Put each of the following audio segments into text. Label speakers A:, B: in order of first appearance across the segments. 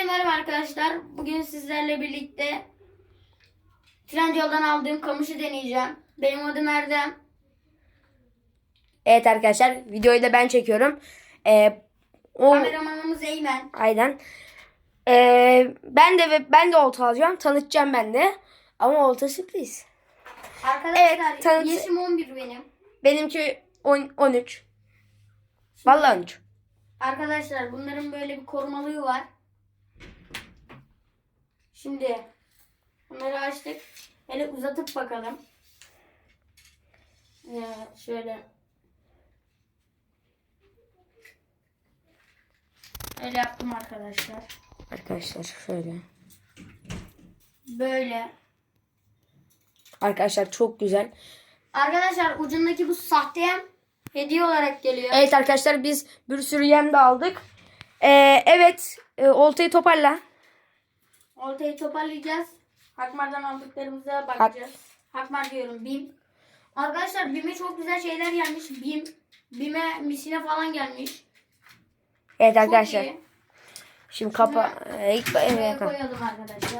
A: merhaba arkadaşlar. Bugün sizlerle birlikte Trendyol'dan aldığım kamışı deneyeceğim. Benim adım Erdem.
B: Evet arkadaşlar, videoyu da ben çekiyorum.
A: Kameramanımız Eymen.
B: Aynen. Ben de olta alacağım. Tanıtacağım ben de. Ama olta sürpriz.
A: Arkadaşlar
B: Evet,
A: yaşım 11 benim.
B: Benimki 13. Vallahi 13.
A: Arkadaşlar bunların böyle bir korumalığı var. Şimdi bunları açtık. Hele uzatıp bakalım. Şöyle. Öyle yaptım arkadaşlar.
B: Arkadaşlar şöyle.
A: Böyle.
B: Arkadaşlar çok güzel.
A: Arkadaşlar ucundaki bu sahte yem hediye olarak geliyor.
B: Evet arkadaşlar, biz bir sürü yem de aldık. Oltayı toparla.
A: Oltayı toparlayacağız. Hakmar'dan aldıklarımıza bakacağız. Hakmar diyorum, BİM. Arkadaşlar BİM'e çok güzel şeyler gelmiş. BİM'e misine falan gelmiş.
B: Evet
A: Çok
B: arkadaşlar.
A: iyi.
B: Şimdi
A: Buraya
B: evet.
A: koyalım arkadaşlar.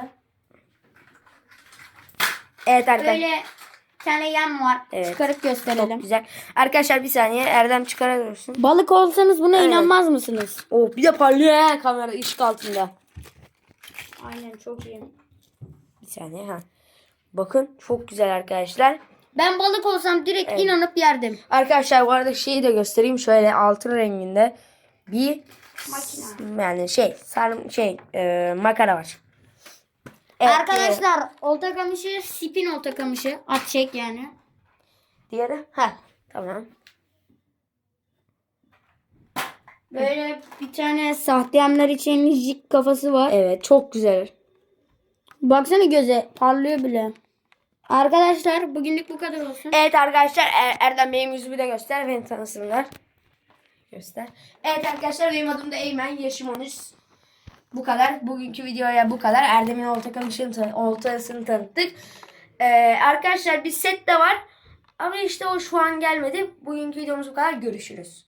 B: Evet arkadaşlar.
A: Böyle bir tane yem var.
B: Evet.
A: Çıkarıp gösterelim.
B: Çok güzel. Arkadaşlar bir saniye, Erdem çıkarabilirsin.
A: Balık olsanız buna
B: Evet.
A: inanmaz mısınız?
B: Oh, bir de parlıyor he, kamera ışık altında.
A: Aynen, çok iyi.
B: Bir saniye ha. Bakın çok güzel arkadaşlar.
A: Ben balık olsam direkt
B: Evet.
A: inanıp yerdim.
B: Arkadaşlar bu arada şeyi de göstereyim. Şöyle altın renginde bir
A: Makine.
B: yani makara var. Evet,
A: Arkadaşlar olta kamışı, spin olta kamışı. At çek yani.
B: diğeri ha tamam.
A: Böyle bir tane sahte yemler için jig kafası var.
B: Evet, çok güzel.
A: Baksana, göze parlıyor bile. Arkadaşlar bugünlük bu kadar olsun.
B: Evet arkadaşlar, Erdem benim yüzümü de göster, beni tanısınlar. Göster. Evet arkadaşlar, benim adım da Eymen, yaşım 13. Bu kadar. Bugünkü videoya bu kadar. Erdem'in oltasını tanıttık. Arkadaşlar bir set de var. Ama işte o şu an gelmedi. Bugünkü videomuz bu kadar. Görüşürüz.